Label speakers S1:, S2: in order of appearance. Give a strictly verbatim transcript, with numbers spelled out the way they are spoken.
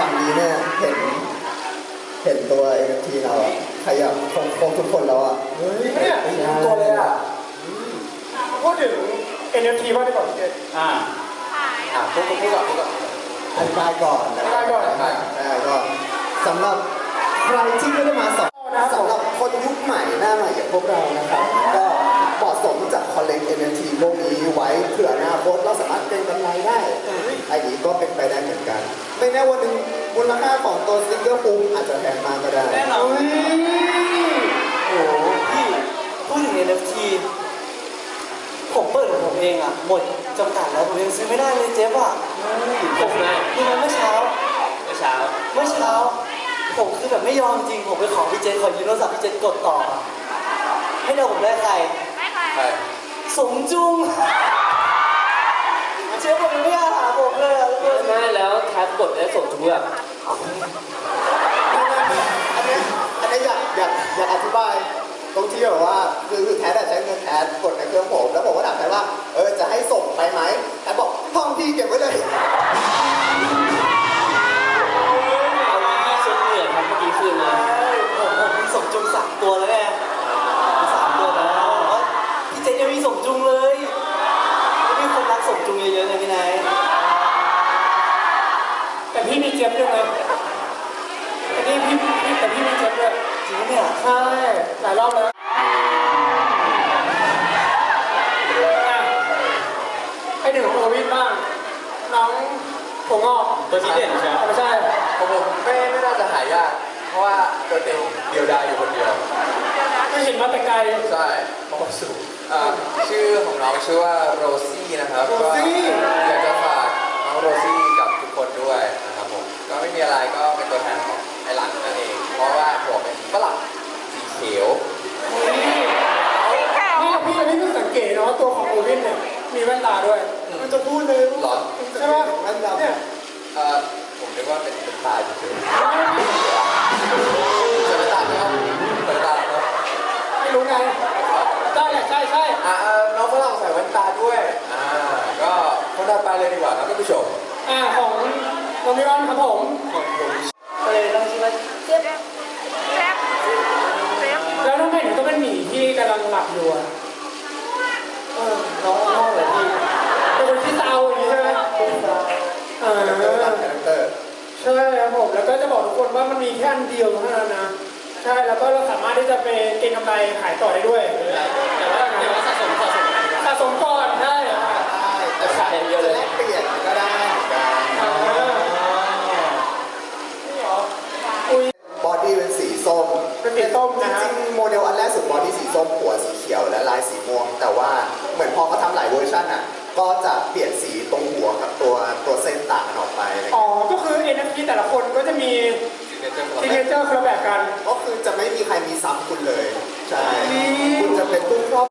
S1: ฝั่งนี้เนี่ยเห็นเห็นตัว เอ็น เอฟ ที เราอะขยับคงคงทุกคนแล้วอะเฮ้ย
S2: เนี่ยตัวเลยอ่ะพูดถึง เอ็น เอฟ ที บ้างดีกว่าพี่เจอ่า
S3: อ่าพูดพูดก่อนพูดก่อน
S1: อธิบายก่อนนะค
S2: ได้
S1: รับ
S2: ก่อน
S1: ได้ก็สำหรับใครที่ไม่ได้มาสองสำหรับคนยุคใหม่หน้าใหม่อย่างพวกเรานะครับก็เหมาะสมที่จะคอลเลก เอ็น เอฟ ที พวกนี้ไว้เผื่ออนาคตเราสามารถเก็งกำไรได้ไอ้นี้ก็เป็นไปได้เหมือนกันไม่แน่วันหนึ่งมูลค่าของตัวสติ๊กเกอร์ปุ่มอาจจะแพงมากก็ได้
S4: แน่นอนโอ้โหพี่พูดถึง เอ็น เอฟ ที ผมเปิดของผมเองอ่ะหมดจำกัดแล้วผมยังซื้อไม่ได้เลยเจ๊อ่ะผมนะนี่มันเมื่อเช้าเมื่อเช้าเมื่อเช้าผมคือแบบไม่ยอมจริงผมไปขอพี่เจนขอยืมโทรศัพท์พี่เจนกดต่อให้เดาผมได้ใครใครสมจุงเจ๊ผมยังไม่อาหาผมเลยอ่ะไม่แล้วแท็บกดได้สมจุงอ่ะ
S1: อันนี้อันนี้อยากอยากอยากอธิบายตรงที่แบบว่าคือคือแทสใช้เงินแทสกดในเครื่องผมแล้วผมก็ถามแทสว่าเออจะให้ส่งไปไหมแทสบอกห้องพี่เก็บไว้เลย
S4: เอาที่เช็ดเหนื่อยครับเมื่อกี้คืนมาผมผมมีสมจุงสามตัวแล้วไงสามตัวแล้วพี่เจนยังมีสมจุงเลยมีคนรักสมจุงเยอะๆเลยพี่นาย
S2: แต่พี่มีเจี๊ยบด้วยเลยแต่นี่พี่พี่แต่พี่มีเจี๊ยบด้วย
S4: จริงเนี่ย
S2: ใช่หลายรอบแล้วให้ถึงของโอวินบ้างน้องผมงอก
S4: ตัวที่เด่นใช่ไหม
S2: ไม่ใช่
S3: ของผมไม่ไม่น่าจะหายากเพราะว่าตัวเต็งเดียวดายอยู่คนเดียว
S2: ก็เห็นมาแต่ไกล
S3: ใช่เพราะสูงชื่อของน้องชื่อว่าโรซี่นะครับก็อยากจะฝากน้องโรซี่กับทุกคนด้วยนะครับผมก็ไม่มีอะไรก็เป็นตัวแทนของไอหลังนั่นเองเพราะว่าผมเป็นฝรั่งสีเขียว
S2: นี่พี่อันนี้เพิ่งสังเกตนะว่าตัวของโอวินเนี่ยมีแว่นตาด้วยมันจะพูดเลย
S3: หรอ
S2: ใช่ไหม
S1: แว่นดำ
S2: เนี่ย
S3: เอ่อผมนึกว่าเป็นเป็นตาเฉยๆจะเป็นตาไหมครับเป็นตาเนาะ
S2: ไม่รู้ไงใช่ใช่ใช่
S3: อ่าน้องฝรั่งใส่แว่นตาด้วยอ่าก็คนต่อไปเลยดีกว่าครับท่านผู้ชม
S2: อ่าของน้องมิวันครับผม
S4: ก็เลยต้องชื่อว่าเจ๊บ
S2: เจ๊บแล้วทำไมถึงต้องเป็นหมีที่กำลังหลับอยู่อ่ะ
S4: เออน้องน้องเลยพี่
S2: เป็นคนที่เศร้าอย่างนี้ใช่ไหมเออใช่ครับผมแล้วก็จะบอกทุกคนว่ามันมีแค่อันเดียวเท่านั้นนะใช่แล้วก็เราสามารถที่จะไปเก็งกำไรขายต่อได้ด้วย
S4: แต่ว่าแต่ว่าสะสมสะสม
S2: สะสมก่อนได้
S4: จะขายเยอะเลย
S1: เปลี่ยนก็ได้บอดี้เป็นสีส้ม
S2: เป็นสีส้มนะ
S1: จริงโมเดลอันแรกสุดบอดี้สีส้มหัวสีเขียวและลายสีม่วงแต่ว่าเหมือนพอเขาทำหลายเวอร์ชันอ่ะก็จะเปลี่ยนสีตรงหัวกับตัวตัวเส้นต่างกันออกไป
S2: อ๋อก็คือ เอ็น เอฟ ที แต่ละคนก็จะมีซิกเนเจอร์คนละแบบกัน
S1: ก็คือจะไม่มีใครมีซ้ำคุณเลยใช่คุณจะเป็นผู้ครอบ